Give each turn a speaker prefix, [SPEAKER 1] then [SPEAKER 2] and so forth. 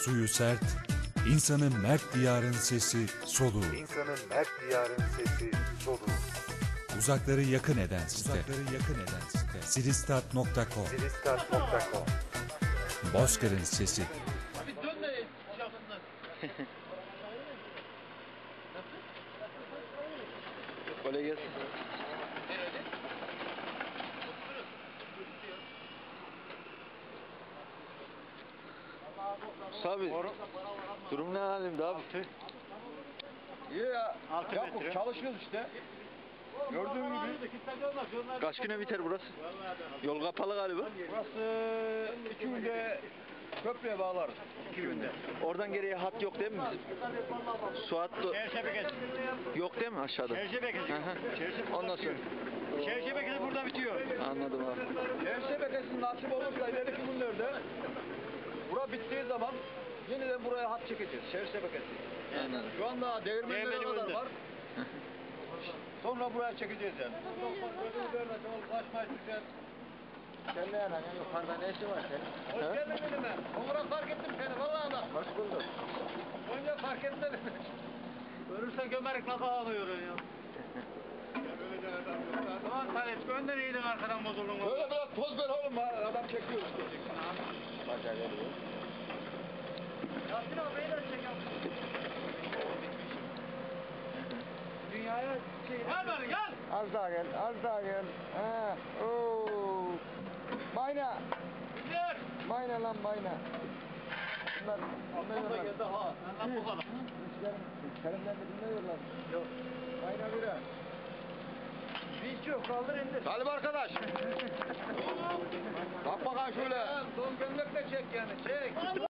[SPEAKER 1] suyu sert, insanın mert diyarın sesi soluğu.
[SPEAKER 2] İnsanın mert diyarın sesi soluğu.
[SPEAKER 1] Uzakları yakın eden site. Silistat.com.
[SPEAKER 2] Silistat.com.
[SPEAKER 1] Bozkır'ın sesi.
[SPEAKER 3] Abi dön de şapsınlar.
[SPEAKER 4] Kolay gelsin. Abi, durum ne halimde abi?
[SPEAKER 5] İyi ya.
[SPEAKER 3] Yapıp
[SPEAKER 5] Çalışıyoruz işte. Gördüğün gibi.
[SPEAKER 4] Kaç güne biter burası? Yol kapalı galiba.
[SPEAKER 5] Burası 2 günde köprüye bağlarız. 2 günde.
[SPEAKER 4] Oradan geriye hat yok değil mi bizim? Su hattı
[SPEAKER 3] Şehir
[SPEAKER 4] yok değil mi aşağıda?
[SPEAKER 3] şebekesi.
[SPEAKER 4] Hı hı. Ondan sonra.
[SPEAKER 3] Şehir şebekesi burada bitiyor.
[SPEAKER 4] Anladım abi.
[SPEAKER 5] Şehir şebekesi nasip olursa ileriki günlerde bura bittiği zaman yeniden buraya hat çekeceğiz. Şehir şebekesi.
[SPEAKER 4] Anladım.
[SPEAKER 5] Şu anda değirmenlere
[SPEAKER 3] Değirmeni
[SPEAKER 5] kadar
[SPEAKER 3] böldü.
[SPEAKER 5] var. Sonra buraya çekeceğiz yani.
[SPEAKER 6] Sen ne yalan ya, yukarıda ne işi var senin?
[SPEAKER 5] Hoş geldin benimle. Onlara fark ettim seni vallahi da.
[SPEAKER 6] Hoş bulduk.
[SPEAKER 5] Önce fark etmedim.
[SPEAKER 3] Ölürsen gömerek nasıl ağlıyorsun ya? Ulan Talep önden iyiydin arkadan bozuldun.
[SPEAKER 5] Böyle biraz toz ver oğlum adam çekiyor işte.
[SPEAKER 6] Bacağı geliyor.
[SPEAKER 3] Yasin abi beyler çekiyor.
[SPEAKER 6] Dünyaya şey...
[SPEAKER 3] Gel bari gel.
[SPEAKER 6] Az daha gel, az daha gel. Ha, ooo. Mayna,
[SPEAKER 3] Gidiyor.
[SPEAKER 6] mayna lan mayna. Bunlar dinliyorlar.
[SPEAKER 3] geldi ha. Lan bu kadar.
[SPEAKER 6] Kerimler de dinliyorlar. Yok. Mayna bira. Hiç yok, kaldır indir.
[SPEAKER 5] Talip arkadaş. Bak bakalım şöyle. Son gömlekle çek yani çek.